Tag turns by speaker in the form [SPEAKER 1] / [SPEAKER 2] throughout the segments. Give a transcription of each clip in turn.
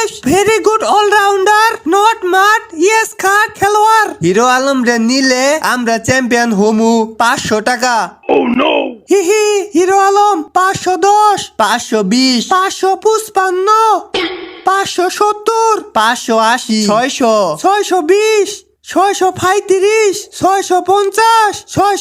[SPEAKER 1] Very good allrounder, not মাঠ, yes খাট খেলোয়াড়। হিরো আলম রে নিলে আমরা চ্যাম্পিয়ন হমু 500 টাকা। হিহি হিরো আলম 510, 520, 555, 570, 580, 600, 620, 635, 650,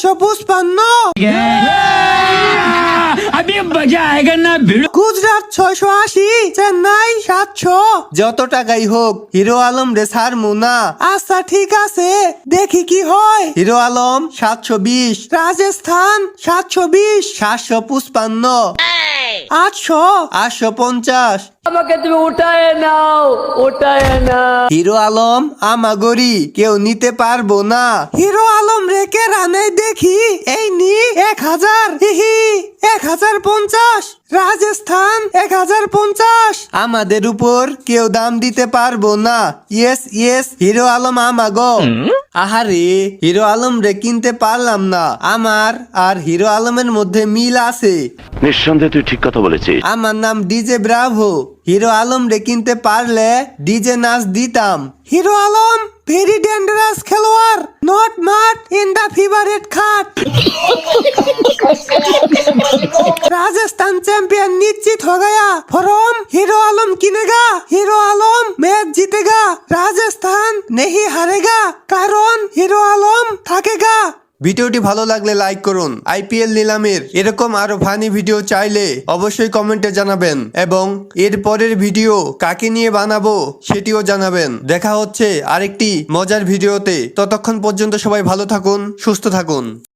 [SPEAKER 1] 655। গুজরাট 680, চেন্নাই 700। যত টাকাই হোক হিরো আলম রে ছাড়মু না। আচ্ছা ঠিক আছে, দেখি কি হয়। হিরো আলম 720, রাজস্থান 720, 755, 800, 850।
[SPEAKER 2] আমাকে তুমি উঠায় নাও।
[SPEAKER 1] হিরো আলম আমাগরি কেউ নিতে পারবো না। হিরো আলম রেখে রানে দেখি, এই নি 1000। হিহি 1050, রাজস্থান 1050। আমাদের উপর কেউ দাম দিতে পারবো না। ইয়েস ইয়েস, হিরো আলম আমাগো। আহারে হিরো আলম রে কিনতে পারলাম না। আমার আর হিরো আলমের মধ্যে মিল আছে।
[SPEAKER 3] নিঃসন্দেহে তুই ঠিক কথা বলেছিস।
[SPEAKER 1] আমার নাম ডিজে ব্রাভো। হিরো আলম রে কিনতে পারলে ডিজে নাচ দিতাম। হিরো আলম ভেরি ডেঞ্জারাস খেলোয়াড়, নট মাঠ ইন দা ফেভারিট খাট। राजस्थान चैंपियन निश्चित हो गया। फॉर्म हीरो आलम किनेगा, हीरो आलम मैच जीतेगा, राजस्थान नहीं हारेगा, कारण हीरो आलम থাকেগা। ভিডিওটি ভালো লাগলে লাইক করুন। আইপিএল নিলামের এরকম আরো ফানি ভিডিও চাইলে অবশ্যই কমেন্টে জানাবেন এবং এর পরের ভিডিও কাকে নিয়ে বানাবো সেটিও জানাবেন। দেখা হচ্ছে আরেকটি মজার ভিডিওতে। ততক্ষণ পর্যন্ত সবাই ভালো থাকুন, সুস্থ থাকুন।